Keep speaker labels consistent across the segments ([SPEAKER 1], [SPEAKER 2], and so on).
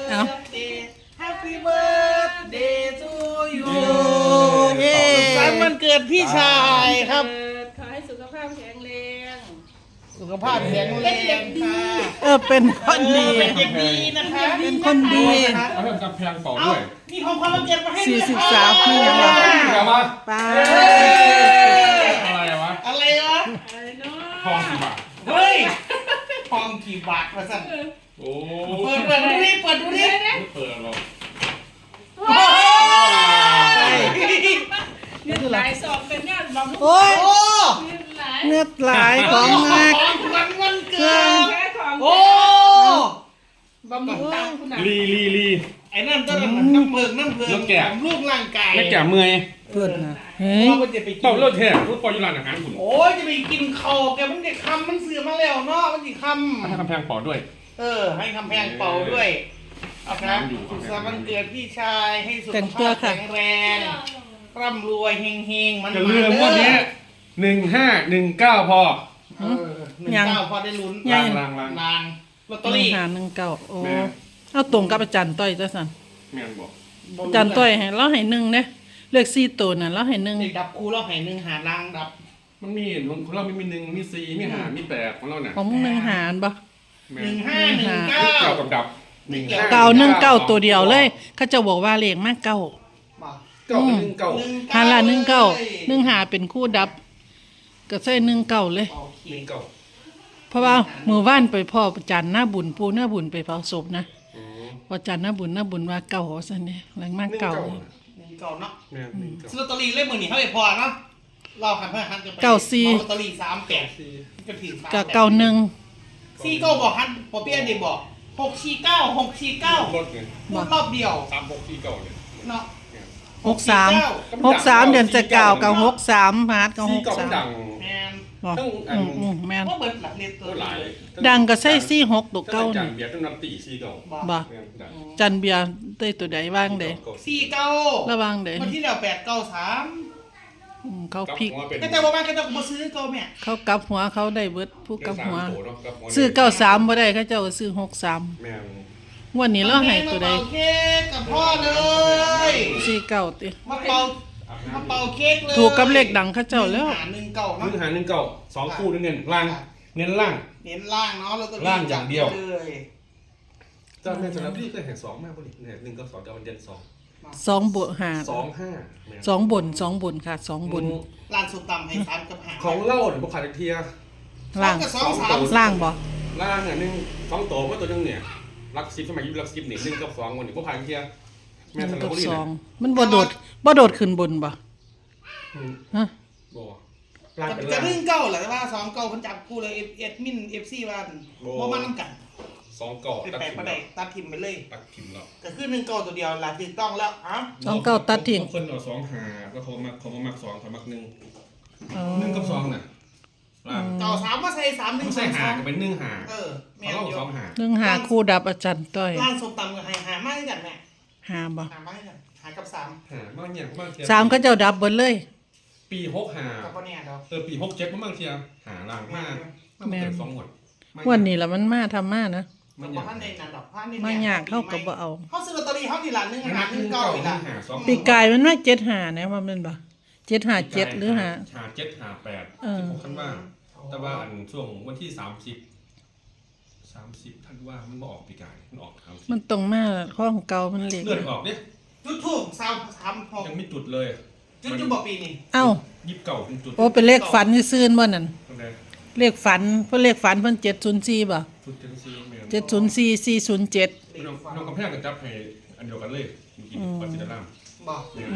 [SPEAKER 1] Happy birthday to you เย้วันเกิดพี่ชายครับ
[SPEAKER 2] ขอให้สุขภาพแข็งแรง
[SPEAKER 1] สุขภาพแข็งแรงค่ะ
[SPEAKER 3] เป็นคนดี
[SPEAKER 1] เป็นเด็กดีนะคะ
[SPEAKER 3] เป็นคนดี
[SPEAKER 4] เอาเพิ่มกำแพงเป่าด้วย
[SPEAKER 1] มีของความวันเกิดมาให้ด้วย
[SPEAKER 3] 43นี่ยังไงป้า
[SPEAKER 4] อะไรวะ
[SPEAKER 1] อะไรวะ
[SPEAKER 4] ทองกี่บาท
[SPEAKER 1] เฮ้ยทองกี่บาทมาสั่น
[SPEAKER 4] โอ้
[SPEAKER 1] เปิดดูดิเปิดห
[SPEAKER 4] รอก
[SPEAKER 2] เนื้อหลายสอบเป็นงานบำรุง
[SPEAKER 3] โอ้ย
[SPEAKER 2] เนื้อหลาย
[SPEAKER 3] เนื้อหลายของมาก
[SPEAKER 1] วันเกิด
[SPEAKER 2] แค่ของ
[SPEAKER 1] โอ้
[SPEAKER 2] บำรุงตามคุณน่ะ
[SPEAKER 4] ลี
[SPEAKER 1] ไอ้นั่นต้นน้ำเพิงลูกร่างกาย
[SPEAKER 4] แล้วแก่เมื่อย
[SPEAKER 3] เพื่อนนะ
[SPEAKER 1] ว่าจะไปกิน
[SPEAKER 4] เป่าเลือดแท้รู้ปล่อยยูรานอาหารคุณ
[SPEAKER 1] โอ้ยจะไปกินข้าวแกมันจะคำมันเสือมาแล้วเนาะมันจะคำ
[SPEAKER 4] ให้กำแพงเป่าด้วย
[SPEAKER 1] ให้กำแพงเป่าด้วยนะสุขสันต์วันเกิดพี่ชายให้สุขภาพแข็งแรงร่ำรวยเฮงๆมัน
[SPEAKER 4] จะเรื่องวันนี้1519พอ
[SPEAKER 1] 19พอได้ลุ้น
[SPEAKER 4] ลาง
[SPEAKER 1] ลอตเตอรี่
[SPEAKER 3] 1519โอ้เอาตรงกับอาจารย์ต้อยจ้ะสัน
[SPEAKER 4] แม่นบอก
[SPEAKER 3] อาจารย์ต้อยให้เราให้1เด้เลือก4ตัวน่ะเราให้1
[SPEAKER 1] ดับคู่เราให้1หาลางดับ
[SPEAKER 4] มันมีของเรามี1มี4มี5มี8ของเราเนี่ย
[SPEAKER 3] ของมึง1หารบ่
[SPEAKER 1] 1519
[SPEAKER 4] กับดับ
[SPEAKER 3] 919ตัวเดียวเลยเขาจะบอกว่าเลขมาก9
[SPEAKER 4] 9
[SPEAKER 3] หาละ19 1หาเป็นคู่ดับก็ใส่19เลยเพราะว่ามื้อวานไปพ่อจันทร์หน้าบุญปู่หน้าบุญไปเผาศพนะพอจันทร์หน้าบุญว่าเก่าซั่นนี่แรงมากเก่า
[SPEAKER 1] เนาะซื้อลอตเตอรี่เล่มมื้อนี้เฮาได้พอเนาะเราหันกันไป
[SPEAKER 3] 94
[SPEAKER 1] ลอตเตอรี่38ก็ถึง
[SPEAKER 3] กับ91
[SPEAKER 1] 49บอกหันบ่เปลี่ยนดิบอก649รอบเดียว
[SPEAKER 4] 3649เนี่ย
[SPEAKER 1] เนาะ
[SPEAKER 3] 63เดือนจะ9กับ63มาร์ทกับ
[SPEAKER 4] 63ดัง
[SPEAKER 1] แม่น
[SPEAKER 3] แม่น
[SPEAKER 1] บ่เบิดหลักเรียนตัว
[SPEAKER 4] หลาย
[SPEAKER 3] ดังก็ใส่46ตัวเก่า
[SPEAKER 4] จันเบียร์ต้องนำตี49
[SPEAKER 3] บ่จันเบียร์ได้ตัวใดว่างใด
[SPEAKER 1] 49
[SPEAKER 3] ระวังใด
[SPEAKER 1] วันที่แล้ว893
[SPEAKER 3] เขาพลิก
[SPEAKER 1] แต่บ่มาก็ต้องบ่ซื้อเก่าแม่
[SPEAKER 3] เขากลับหัวเขาได้เบิดผู้กลับหัวซื้อ93บ่ได้เขาเจ้าซื้อ63
[SPEAKER 4] แม่น
[SPEAKER 3] วันนี้เราให้ตัวใด
[SPEAKER 1] เป่าเค้กกับพ่อเลย
[SPEAKER 3] 49ติ
[SPEAKER 1] มาเป่าเค้กเลย
[SPEAKER 3] ถูกกับเลขดังเขาเจ้าแล้ว
[SPEAKER 4] 119 2คู่เน้นล่างเน้นล่าง
[SPEAKER 1] เนาะแล้วก็
[SPEAKER 4] ล่างอย่างเดียวเจ้าแม่สำหรับพี่เคยเห็น2มากบ่นี่1กับ2กับวันเย็น
[SPEAKER 3] 2บวก5 2บนค่ะ2บน
[SPEAKER 1] ร้านสุดต่ำให้3กับ5
[SPEAKER 4] ของเล่าเนี่ยบ่ขาดเทีย
[SPEAKER 3] ล่างล่างบ่
[SPEAKER 4] ล่างอ่ะ1 2โตมาตัวนึงเนี่ยลัก10สมัยยุคลัก10นี่1กับ2วันนี้บ่ผ่านเทียแม่สำหรับบ่นี่
[SPEAKER 3] มันบ่โดดขึ้นบนบ่ฮะ
[SPEAKER 4] บ่
[SPEAKER 1] จะ1-9แหละแต่ว่า2-9เพิ่นจับคู่เลยเอดมิน FC ว่าบ่มานำกัน
[SPEAKER 4] 2-9
[SPEAKER 1] ตัดทิ่มไปเลย
[SPEAKER 4] ตัดทิ่มแล้ว
[SPEAKER 1] ก็คือ1-9ตัวเดียวล่ะถูกต้องแล้ว
[SPEAKER 3] 2-9ตัดทิ่ม
[SPEAKER 4] เพิ่นเอา2หาแล้วเขามัก2เขามัก1 1กับ2น่ะ
[SPEAKER 1] ต่อ3มาใส่3 1
[SPEAKER 4] ใส่หาก็เป็น1หา
[SPEAKER 1] แม่น
[SPEAKER 4] อยู่2หา
[SPEAKER 3] 1หาคู่ดับอาจารย์ต้อย
[SPEAKER 1] ร้านส้มตำก็ให้หามาให้กันแม่
[SPEAKER 3] หาบ่
[SPEAKER 1] หามาให้กันหากับ3
[SPEAKER 4] หามาเนี่ยมาเทีย
[SPEAKER 3] 3เขาเจ้าดับเบิดเลย
[SPEAKER 4] ปี65
[SPEAKER 1] กับบ่แน่ดอก
[SPEAKER 4] ปี67มันบางเทียหาล่างมาแม่น2หมด
[SPEAKER 3] วันนี้ล่ะมันมาทำมานะ
[SPEAKER 1] มันบ่ทันได้นั่นดอกพันนี่
[SPEAKER 3] มายากเฮาก็บ่เอา
[SPEAKER 1] เฮาซื้อลอตเตอรี่เฮานี่ล่ะ1หา1-9นี่ล่ะ
[SPEAKER 3] ปีกายมันมา75นะว่ามันบ่757หรือหา
[SPEAKER 4] 7 5 8ที่ผมคันว่าแต่ว่าอันช่วงวันที่30ท่านว่ามันบ่ออกปีกายมันออก
[SPEAKER 3] มันตรงมาของเก่ามันเล็ก
[SPEAKER 4] เลือดออกเนี่ย
[SPEAKER 1] จุดทูบ3
[SPEAKER 4] ยังไม่จุดเลย
[SPEAKER 1] จุดบ่ปีนี้
[SPEAKER 3] เอ้า
[SPEAKER 4] 29เป็นจุด
[SPEAKER 3] โอ้เป็นเลขฝันซื่นๆบ่นั่นเลขฝันเพิ่นเลขฝันเพิ่น704บ่704 407
[SPEAKER 4] น้องกำแพงก็จับให้อันเดียวกันเลยกินปัจจิตราม
[SPEAKER 1] บ่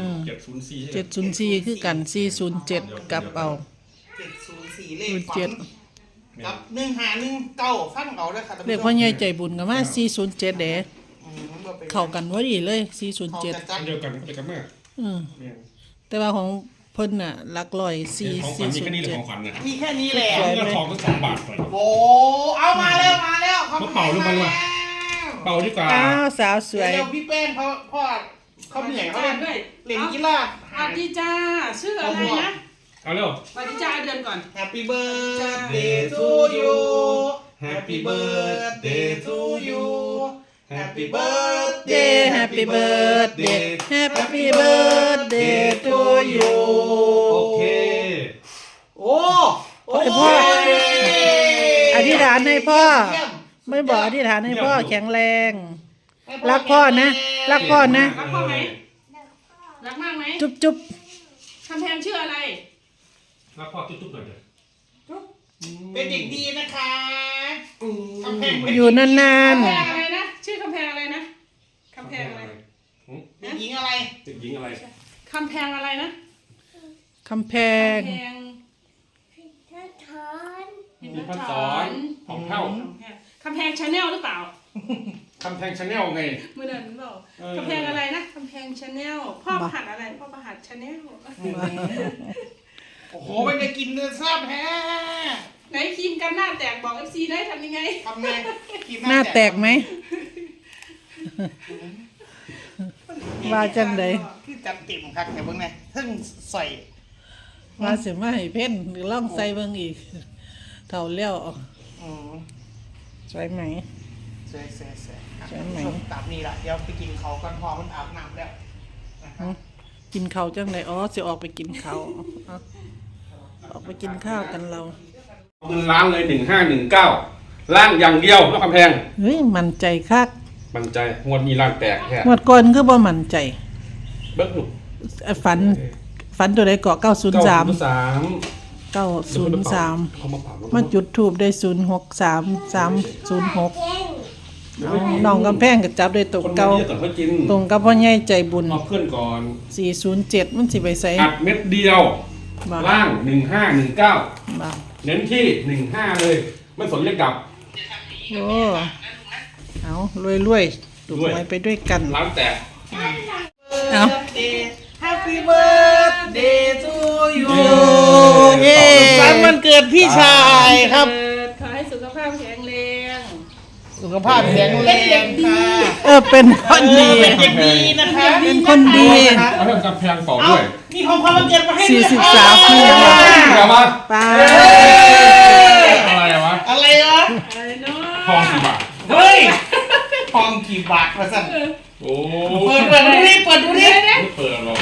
[SPEAKER 3] 704คือกัน407กลับเอา
[SPEAKER 1] 704เลขฝันกับ1519ฟังเอาเด้อค่ะ
[SPEAKER 3] เลขพ่อใหญ่ใจบุญก็มา407เด้เข้ากันพอดีเลย407
[SPEAKER 4] เดียวกันไปกันมา
[SPEAKER 3] แต่ว่าของเพิ่นน่ะหลักร้อย
[SPEAKER 4] 4มีแค่นี้แหละของขวัญน่ะ
[SPEAKER 1] มีแค่นี้แหละ
[SPEAKER 4] ทองตั้ง2 บาทไป
[SPEAKER 1] โอ้เอามาแล้ว
[SPEAKER 4] เป่าหรือเปล่าเป่าดีกว่า
[SPEAKER 3] อ้าวสาวสวย
[SPEAKER 1] เดี๋ยวพี่แป้งพ่อเขาเหนื่อยเขาเล่นกีฬา
[SPEAKER 2] สวัสดีจ้าชื่ออะไรนะ
[SPEAKER 4] เอาเร็ว
[SPEAKER 2] สวัสดีจ้าเดือนก่อน
[SPEAKER 1] Happy birthday to you Happy birthday to you Happy birthday
[SPEAKER 3] Happy birthday Happy birthday to you
[SPEAKER 4] โอเค
[SPEAKER 1] โอ้
[SPEAKER 3] ให้พ่ออธิษฐานให้พ่อ ไม่บอกอธิษฐานให้พ่อแข็งแรง รักพ่อนะรักพ่อนะ
[SPEAKER 2] รักพ่อไหมรักมากไหม
[SPEAKER 3] จุ๊บจุ๊บ
[SPEAKER 2] คำแพงชื่ออะไร
[SPEAKER 4] แล้วพ่อจุ๊บๆหน่อยเลย
[SPEAKER 1] เป็นเด็กดีนะคะกำแพง
[SPEAKER 3] อยู่นาน
[SPEAKER 2] คำแพงอะไรนะ ชื่อคำแพงอะไรนะคำแพงอะไร
[SPEAKER 1] เด็กหญิงอะไร
[SPEAKER 4] เด็กหญิงอะไร
[SPEAKER 2] คำแพงอะไรนะ
[SPEAKER 3] ๆคำแพง
[SPEAKER 2] คำแพง
[SPEAKER 4] มีพัดสอนของเท่า
[SPEAKER 2] คำแพงชาแนลหรือเปล่า
[SPEAKER 4] คำแพงชาแนลไง
[SPEAKER 2] เมื่อเดือนนั้นบอกคำแพงอะไรนะคำแพงชาแนลพ่อประหัดอะไรพ่อประหัดชาแนล
[SPEAKER 1] โอ้โหมันจะกินเนื้อแซ่บแฮะ
[SPEAKER 2] ไหนครีมกันหน้าแตกบอก FC ได้ทำยังไง
[SPEAKER 1] ทำไงกิน
[SPEAKER 3] หน้าแตกไหมว่าจังใด
[SPEAKER 1] คือจัดเต็มครับแต่เบิ่งไงเพิ่งใส่
[SPEAKER 3] ว่าสิมาให้เพ่นหรือล่องใส่เบิ่งอีกเท่าแล้ว
[SPEAKER 1] อืม
[SPEAKER 3] สวยไหม
[SPEAKER 1] ใส่
[SPEAKER 3] ใช่ไหม
[SPEAKER 1] ตามนี้ละเดี๋ยวไปกินเขากันพอมันอาบน้ำแล้ว
[SPEAKER 3] กินข้าวจังไดอ๋อสิออกไปกินข้าวเอาออกไปกินข้าวกันเรา
[SPEAKER 4] เงินล้านเลย1519ล้านอย่างเดียวแล้วคำแพง
[SPEAKER 3] เฮ้ยมั่นใจคัก
[SPEAKER 4] มันใจงวดมีล้านแตกแค่
[SPEAKER 3] งวดก่อนคือบ่มั่นใจ
[SPEAKER 4] เบิ้งหนุก
[SPEAKER 3] ฝันตัวใดเกาะ903 903
[SPEAKER 4] เขามาเผา
[SPEAKER 3] มาจุดทูบได้063 306เอาน้องกำแพงก็จับได้ตก
[SPEAKER 4] คน
[SPEAKER 3] เก่า
[SPEAKER 4] เยอะก่อนเขากิน
[SPEAKER 3] ตรงกับพ่อใหญ่ใจบุญ
[SPEAKER 4] เอาเพื่อนก่อน
[SPEAKER 3] 407มันสิไปใส่
[SPEAKER 4] อัดเม็ดเดียว
[SPEAKER 3] บ่
[SPEAKER 4] ล่าง1519
[SPEAKER 3] บ่
[SPEAKER 4] เน้นที่15เลยไม่สนเลขกลับ
[SPEAKER 3] โอ้เอารวยๆถูกไว้ไปด้วยกัน
[SPEAKER 4] ล้านแตก
[SPEAKER 3] เอา
[SPEAKER 1] Happy birthday to you
[SPEAKER 3] เย้
[SPEAKER 1] สุขสันต์วันเกิดพี่ชายครับ
[SPEAKER 2] ขอให้สุขภาพแข็งแรง
[SPEAKER 1] สุขภาพแข็งแรงค่ะ
[SPEAKER 3] เป็นคนดี
[SPEAKER 1] เป็นเด็กดีนะคะ
[SPEAKER 3] เป็นคนดี
[SPEAKER 4] เอาเรื่องกำแพงต่อ
[SPEAKER 1] เอา
[SPEAKER 4] ด้วย
[SPEAKER 1] มีของความวันเกิดมาให้ด้วย
[SPEAKER 3] 43ปี
[SPEAKER 4] เดี๋ยวมา
[SPEAKER 3] ไป
[SPEAKER 4] อะไรวะ
[SPEAKER 1] อะไรวะ
[SPEAKER 2] อะไรเนาะ
[SPEAKER 4] ทองกี่บาท
[SPEAKER 1] เฮ้ยทองกี่บาทมาสั่น
[SPEAKER 4] โอ้
[SPEAKER 1] เปิดดูดิเปิดดูดิ
[SPEAKER 4] ไม่เปิดหรอก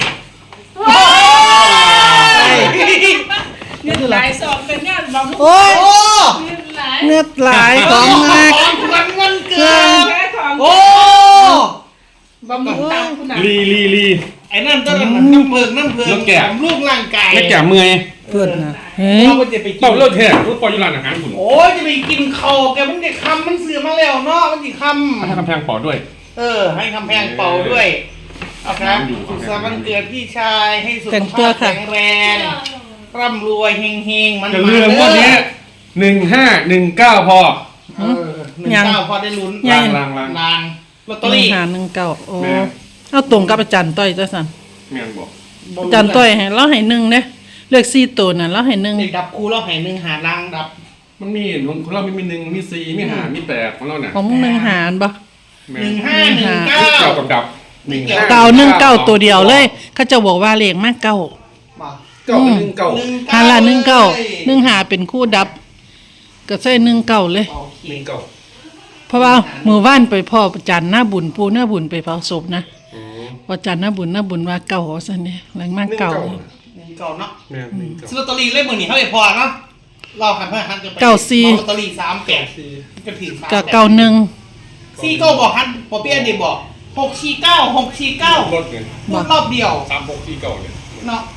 [SPEAKER 2] เงินหลายสอบเป็นงานบำรุง
[SPEAKER 3] โอ้ย
[SPEAKER 1] โอ้
[SPEAKER 2] เงินหลาย
[SPEAKER 3] เนื้อหลายของมาก
[SPEAKER 1] ของขวัญวันเกิด
[SPEAKER 2] แค่ของ
[SPEAKER 1] โอ้
[SPEAKER 2] บำรุงตามคุณน่ะ
[SPEAKER 4] ลี
[SPEAKER 1] ไอ้นั่นต้นน้ำเพิง
[SPEAKER 4] แล้วแกะ
[SPEAKER 1] ของลูกร่างกาย
[SPEAKER 4] ไม่แก่เมื่อย
[SPEAKER 3] เพื่อนนะเฮ้ย
[SPEAKER 1] เราจะไปกิ
[SPEAKER 4] เต้าน เลิกแท้ทุกปอยอยู่ร้านอาหารคุณ
[SPEAKER 1] โอ้ยจะไปกินข้าวแกมันจะคำมันเสือมาแล้วเนาะมันจะค
[SPEAKER 4] ให้กำแพงปอด้วย
[SPEAKER 1] ำให้คำแพงเป่าด้วยนะครับสุขสันต์วันเกิดพี่ชายให้สุข
[SPEAKER 3] แต่งตั
[SPEAKER 1] ภาว พ
[SPEAKER 3] ค่ะ
[SPEAKER 1] แข็งแรงร่ำรวยเฮงๆมัน
[SPEAKER 4] อย่าลืมวันนี้1519พอ
[SPEAKER 1] 19พอได้ลุ้น
[SPEAKER 3] ยัง
[SPEAKER 4] ลาง
[SPEAKER 1] ลางลอตเตอรี่
[SPEAKER 3] 1519โอ้
[SPEAKER 4] แม่
[SPEAKER 3] เอาตรงกับอาจารย์ต้อยจ้ะสัน
[SPEAKER 4] แม่งบอก
[SPEAKER 3] อาจารย์ต้อยให้เราให้1เด้เลือก4ตัวน่ะเราให้
[SPEAKER 1] เด็กดับครูเราให้หนึ่งหาลางดับ
[SPEAKER 4] มันมีของเรามี1มี4มี5มี8ของเราเนี่ย
[SPEAKER 3] 1ของมึง1หารบ่
[SPEAKER 4] แม่
[SPEAKER 1] 1519
[SPEAKER 4] เก้ากับดับ
[SPEAKER 3] เก่า19ตัวเดียวเลย เขาจะบอกว่าเลขมาเก้า
[SPEAKER 1] มา
[SPEAKER 4] เก้ากับ1เก้า
[SPEAKER 3] หาละ19 1หาเป็นคู่ดับ ก็ใส่19เลย
[SPEAKER 4] 1เก้า
[SPEAKER 3] เพราะว่ามือว่านไปพ่อจันทร์หน้าบุญปูหน้าบุญไปเผาศพนะพอจันทร์หน้าบุญว่าเก่าซั่นนี่แรงมากเก่า
[SPEAKER 1] เก่าเนาะ
[SPEAKER 4] แม่1เก้า
[SPEAKER 1] ซื้อลอตเตอรี่เล่มมือนี่เท่าไหร่พอเนาะเราหันเพื่อหันจะไป
[SPEAKER 3] เก้าสี่
[SPEAKER 1] ลอตเตอรี่38จะถึง
[SPEAKER 3] ก็เก่าหนึ่ง
[SPEAKER 1] ซี่ก็บอกหันพอเปี้ยนดีบอก649 649
[SPEAKER 4] รถไง
[SPEAKER 1] พูดรอบเดียว
[SPEAKER 4] 3649เนี่ย
[SPEAKER 1] เนาะ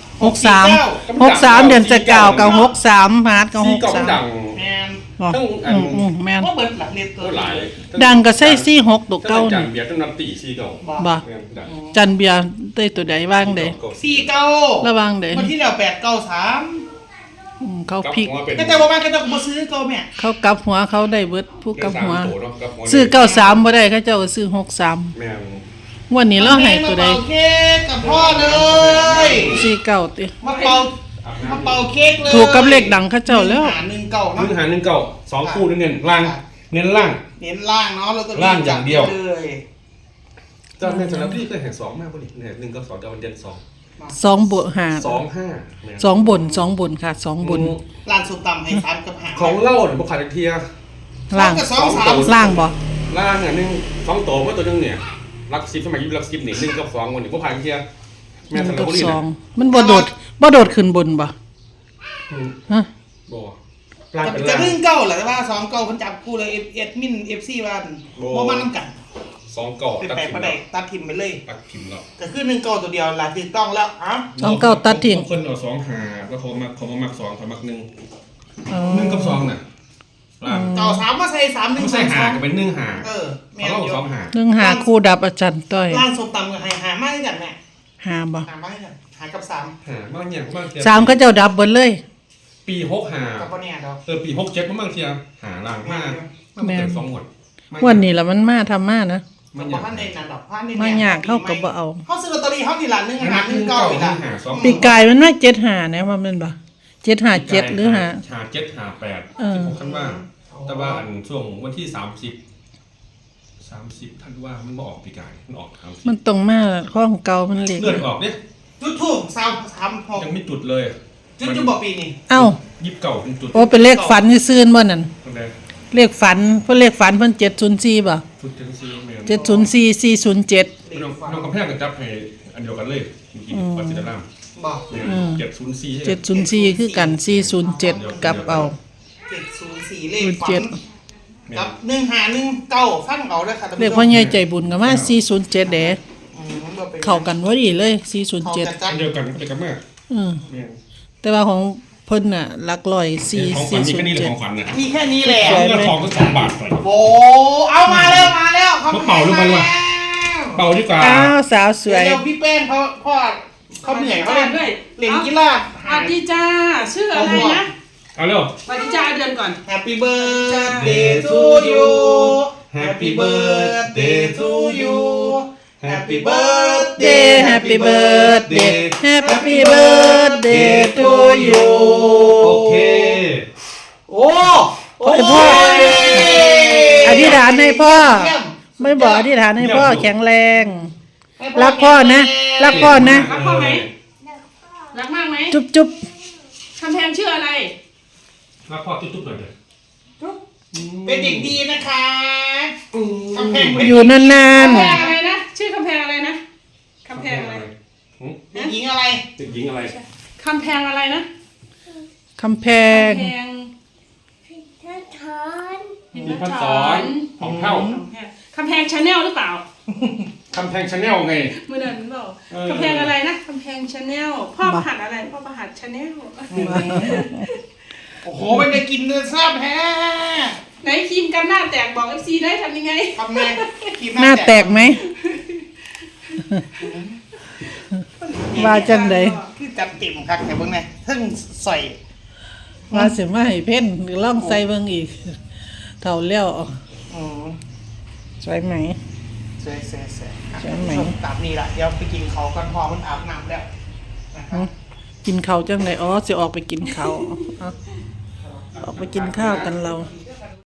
[SPEAKER 3] 63เดือนจะเก่ากับ63พาร์ทกับ
[SPEAKER 4] 4เก้ามันดัง
[SPEAKER 1] แมน
[SPEAKER 3] บอกแม่น
[SPEAKER 1] ก็เบิดหลักเรียนตัว
[SPEAKER 4] โอ้หลาย
[SPEAKER 3] ดังก็ใส่46ตัวเก่า
[SPEAKER 4] จั
[SPEAKER 3] นี่
[SPEAKER 4] นเบียร์ต้องนับตี4เก้า
[SPEAKER 3] บ่
[SPEAKER 4] แม่นดัง
[SPEAKER 3] จันเบียร์ได้ตัวใดบ้างเด้
[SPEAKER 1] 49
[SPEAKER 3] ระวังเด้
[SPEAKER 1] วันที่แล้ว893
[SPEAKER 3] เขาพลิก
[SPEAKER 1] ก็แต่ว่ามันก็ต้องมาซื้อก็แม่
[SPEAKER 3] เขากลับหัวเขาได้เบิดผู้กลับหัว
[SPEAKER 4] โตเนาะกับหัว
[SPEAKER 3] ซื้อ93บ่ได้เขาเจ้าก็ซื้อ63
[SPEAKER 4] แม่ง
[SPEAKER 3] งวันนี้เราให้ตัวใด
[SPEAKER 1] มาเป่าเค้กกับพ่อเลย
[SPEAKER 3] 49ติ
[SPEAKER 1] มาเป่าเค้กเลย
[SPEAKER 3] ถูกกับเลขดังเขาเจ้าแล้ว
[SPEAKER 1] หา1เก่า
[SPEAKER 4] มึ
[SPEAKER 1] เนาะ
[SPEAKER 4] งหา1เก้า2คู่เน้นล่างเน้นล่าง
[SPEAKER 1] เน้นล่างเนาะแล้วก็
[SPEAKER 4] ล่างอย่างเดียว
[SPEAKER 1] เลย
[SPEAKER 4] เจ้าแม่สำหรับพี่เคยเห็น2มากป่ะนี่เนี่ย1กับ2จะวันเด่น2
[SPEAKER 3] 2บวก5
[SPEAKER 4] 2 5
[SPEAKER 3] 2บนค่ะ2บน
[SPEAKER 1] ร้านสุดต่ำให้3กับหา
[SPEAKER 4] ของเล่าเนี่ยบ่ขาดเทีย
[SPEAKER 3] ล่าง
[SPEAKER 1] 2กับ2 3
[SPEAKER 3] ล่างบ่
[SPEAKER 4] ล่างเนี่ย2โตมาตัวนึงเนี่ยรัก10สมัยอยู่รัก10นี่1กับ2วันนี้บ่ผ่านเที่ยแม่
[SPEAKER 3] 1
[SPEAKER 4] สาร
[SPEAKER 3] กับ
[SPEAKER 4] บุรี
[SPEAKER 3] 2มันบ่โดดขึ้นบนบ่ฮะ
[SPEAKER 4] บ่ล่างเป็น
[SPEAKER 1] จะ
[SPEAKER 4] ล่าง
[SPEAKER 1] เพิ่งเก้าแหละแต่ว่าสองเก้าเพิ่นจับคู่เลยเอ็ดมินเอฟซีว่าบ่มานํกัน
[SPEAKER 4] 2เก่า
[SPEAKER 1] เป็น
[SPEAKER 4] ตัด
[SPEAKER 1] แปลก
[SPEAKER 4] ทิม
[SPEAKER 1] บ่ได้ตัดทิมไปเลย
[SPEAKER 4] ตัดทิมแล้ว
[SPEAKER 1] ก็คือ1เก้าตัวเดียวล่ะถูกต้องแล้วอ้าว
[SPEAKER 3] 2 9ตัดทิ้ง
[SPEAKER 4] คนเอา2หาแล้วเขามา2เขามัก1
[SPEAKER 3] อ๋อ
[SPEAKER 4] 1กับ2น่ะล่าง
[SPEAKER 1] เก้าสามมาใส่3
[SPEAKER 4] ไม่
[SPEAKER 1] 1
[SPEAKER 4] ใช่หา
[SPEAKER 1] 2
[SPEAKER 4] ก็เป็น1หา
[SPEAKER 1] แม่
[SPEAKER 4] เขา
[SPEAKER 1] น
[SPEAKER 4] เล่า
[SPEAKER 1] อยู่
[SPEAKER 4] 2หา
[SPEAKER 3] 1หาคู่ดับอาจารย์ต้อย
[SPEAKER 1] ร้านส้มตำกับหามาให้กันแม่
[SPEAKER 3] หาบ่
[SPEAKER 1] หามาให้กันหากับ3
[SPEAKER 4] หาบ้างเนี่ยบ้างเทีย
[SPEAKER 3] 3เขาเจ้าดับเบิดเลย
[SPEAKER 4] ปี6หา
[SPEAKER 1] กับบ่แน่ดอก
[SPEAKER 4] ปี67บ้างเทียหาล่างมากมันเป็น2หมด
[SPEAKER 3] วันนี้ล่ะมันมาทำมานะ
[SPEAKER 1] มันบ่ทันได้นั่นดอกพันนี่
[SPEAKER 3] มายากเข้าก็บ่เอา
[SPEAKER 1] เฮาซื้อลอตเตอรี่เฮานี่ล่ะ1หา1เก้านี่ล่ะ
[SPEAKER 4] หา2
[SPEAKER 3] ปีกายมันมา7หานะว่ามันบ่757หรือหา
[SPEAKER 4] หา7หา8
[SPEAKER 3] เออ
[SPEAKER 4] 16ธันวาแต่ว่าอันช่วงวันที่30ธันวามันบ่ออกปีกายมันออก
[SPEAKER 3] มันตรงมาข้องเก่ามันเล็ก
[SPEAKER 4] เลือดออกเนี่ย
[SPEAKER 1] จุดทูบ3
[SPEAKER 4] ยังไม่จุดเลย
[SPEAKER 1] 6จุดบ่ปีนี้
[SPEAKER 3] เอ้า
[SPEAKER 4] ยิบเก่าเป็นจุด
[SPEAKER 3] โอ้เป็นเลขฝันซื่อๆบ่นั่น
[SPEAKER 4] ตั้งแต่
[SPEAKER 3] เลขฝันเพิ่นเลขฝันเพิ่น704บ่
[SPEAKER 4] จุดจังซีแม่น
[SPEAKER 3] 704 407
[SPEAKER 4] น้องกำแพงก็จับให้อันเดียวกันเลยกินปัจจิตราม
[SPEAKER 1] บ่
[SPEAKER 4] 704
[SPEAKER 3] 704คือกัน407กลับเอา
[SPEAKER 1] 704เลขฝันกับ1หา1เก้าฟังเอาเด้อค่ะท่าน
[SPEAKER 3] เล
[SPEAKER 1] ผู้
[SPEAKER 3] ข
[SPEAKER 1] ช
[SPEAKER 3] พ่อ
[SPEAKER 1] ม
[SPEAKER 3] ใหญ่ใจบุญก็มา407เด้
[SPEAKER 1] มันบ่เป็น
[SPEAKER 3] เข้ากันพอดีเลย
[SPEAKER 1] เขาจะ
[SPEAKER 3] 407
[SPEAKER 1] จั
[SPEAKER 4] อั
[SPEAKER 1] ด
[SPEAKER 4] นเดียวกันไปกับแม่
[SPEAKER 3] อือ
[SPEAKER 4] แม่น
[SPEAKER 3] แต่ว่าของเพิ่นน่ะหลักร้อย
[SPEAKER 4] ของขวัญมีแค่นี้เลยของขวัญนะ
[SPEAKER 1] มีแค่นี้แหละ
[SPEAKER 4] เงินทองก็2 บาทไป
[SPEAKER 1] โอ้เอามาแล้วเขา
[SPEAKER 4] เป่าลูกไปว่ะ เป่าดีกว่า
[SPEAKER 3] อ้าวสาวสวย
[SPEAKER 1] เดี๋ยวพี่แป้งพ่อเขาเหนื่อยเขาเล่น
[SPEAKER 2] ด้วย
[SPEAKER 1] เล่นกีฬา
[SPEAKER 2] สวัสดีจ้าชื่ออะไรนะ
[SPEAKER 4] เอาเร็ว
[SPEAKER 2] สวัสดีจ้าเดือนก่อน
[SPEAKER 1] Happy birthday to you Happy birthday to you Happy birthday
[SPEAKER 3] Happy birthday Happy birthday to you
[SPEAKER 4] โอเค
[SPEAKER 1] โอ้
[SPEAKER 3] ให้พ่อ อธิษฐานให้พ่อ ไม่บอกอธิษฐานให้พ่อแข็งแรง รักพ่อนะ รักพ่อนะ
[SPEAKER 2] รักพ่อไหมรักมากไหม
[SPEAKER 3] จุ๊บจุ๊บ
[SPEAKER 2] คำแพงชื่ออะไร
[SPEAKER 4] รับพ่อตุ๊บๆหน่อยเลย
[SPEAKER 1] เป็นเด็กดีนะคะกำแพง
[SPEAKER 3] อยู่นาน
[SPEAKER 2] คำแพงอะไรนะชื่อคำแพงอะไรนะคำแพงอะไร
[SPEAKER 1] เด็กหญิงอะไร
[SPEAKER 4] เด็กหญิงอะไร
[SPEAKER 2] คำแพงอะไรนะ
[SPEAKER 3] ๆคำแพง
[SPEAKER 2] คำแพง
[SPEAKER 4] มีพันสอนของเท่า
[SPEAKER 2] คำแพงชาแนลหรือเปล่า
[SPEAKER 4] คำแพงชาแนลไง
[SPEAKER 2] เมื่อเดือนเปล่าคำแพงอะไรนะคำแพงชาแนลพ่อประหัดอะไรพ่อประหัดชาแนล
[SPEAKER 1] โอ้โหมันได้กินเนื้อแซ่บแฮะ
[SPEAKER 2] ไหนครีมกันหน้าแตกบอก FC ได้ทำยังไง
[SPEAKER 1] ทำไงกิน
[SPEAKER 3] หน้าแตกไหม ว่าจังได
[SPEAKER 1] คือจัดเต็มครับแต่เบิ่งไงทั้งใส่
[SPEAKER 3] ว่าสิมาให้เพ่นหรือล่องใส่เบิ่งอีก เท่าแล้ว
[SPEAKER 1] อืม
[SPEAKER 3] สวยไหม
[SPEAKER 1] สวยๆ
[SPEAKER 3] ใช่ไหม
[SPEAKER 1] ตามนี้ละเดี๋ยวไปกินเขากันพอมันอาบน้ำแล้วนะครับ
[SPEAKER 3] กินข้าวจังไดอ๋อสิออกไปกินข้าวเอาออกไปกินข้าวกันเรา
[SPEAKER 1] แ